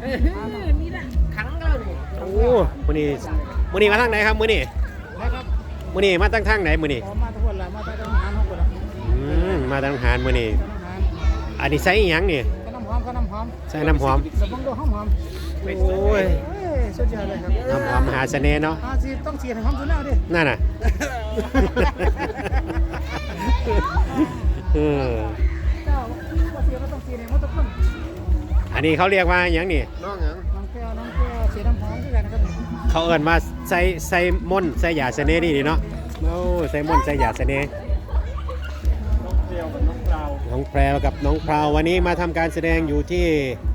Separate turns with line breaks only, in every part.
นี่แหละขังเราเนี่ย
โอ้มื้อนี้มาทางไหนครับมื้อนี้
นะครับ
มื้อนี้มาทางไหนมื้อนี้
มาทุกคนละมาทางหารทุกคนละ
มาทางหารมื้อนี้อันนี้ใส่อีหยังนี่
ก็น้ำหอมก็น้ำหอม
ใส่น้ำหอม
สมองดูหอมหอม
โอ้ย
สุดยอดเลยครับ
น้ำหอมมหาเสน่ห์เนาะ
ต้องเสียให้หอมตัวหน้าดิ
นั่นน่ะ
เจ้าว่าเสียก็ต้องเสียให้หอมทุกคน
อันนี้เขาเรียกว่าหยังนี่
น้องแก้วเสียน้ำหอมด้วยกันนะครับ
เขาเอิ้นว่าใส่ม่นใส่ยาเสน่ห์นี่เนาะโอ้ใส่ม่นใส่ยาเสน่ห์น้องแพรวกับน้องพราววันนี้มาทำการแสดงอยู่ที่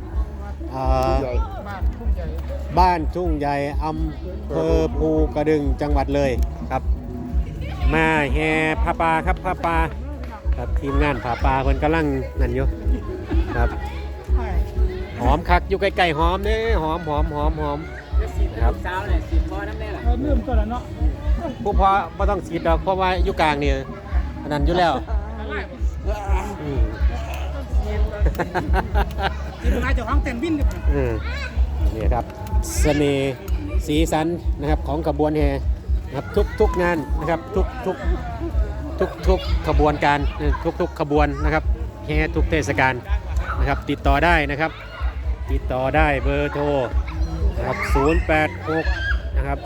บ้านทุ่งใหญ่อำเภอภูกระดึงจังหวัดเลยครับมาแห่ผ้าป่าครับผ้าป่าครับทีมงานผ้าป่าเพิ่นกำลังนั่นอยู่ครับหอมคักอยู่ใกล้ๆหอมเด้หอมครับ
สาวเนี่ยสีพอน้ำแน่ล่ะลืมตัวแล้วเนาะ
ผู้พอไม่ต้องฉีดดอกเพราะว่าอยู่กลางนี่นั่นอยู่แล้ว
ที่มาจากห้องเต็นบิน
นี่ครับเสน่ห์สีสันนะครับของขบวนแห่นะครับทุกงานนะครับทุกขบวนการทุกขบวนนะครับแห่ทุกเทศกาลนะครับติดต่อได้นะครับติดต่อได้เบอร์โทรนะครับ086นะครับ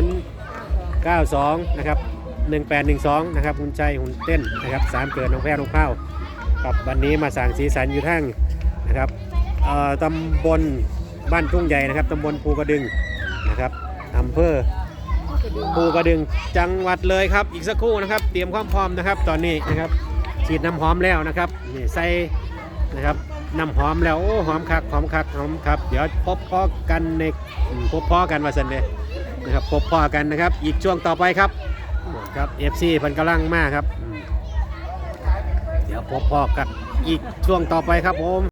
092นะครับ1812นะครับหุ่นใจหุ่นเต้นนะครับ3เกิดน้องแพรน้องเผาครับวันนี้มาสั่งสีสันอยู่ทั้งนะครับตำบลบ้านทุ่งใหญ่นะครับตำบลภูกระดึงนะครับอำเภอภูกระดึงจังหวัดเลยครับอีกสักครู่นะครับเตรียมความพร้อมนะครับตอนนี้นะครับฉีดน้ำหอมแล้วนะครับนี่ใส่นะครับน้ำหอมแล้วโอ้หอมคักหอมครับเดี๋ยวพบพ่อกันในว่าสันเลยนะครับพบพ่อกันนะครับอีกช่วงต่อไปครับครับ FC เพิ่นกำลังมาครับเดี๋ยวพบพ่อกันอีกช่วงต่อไปครับผม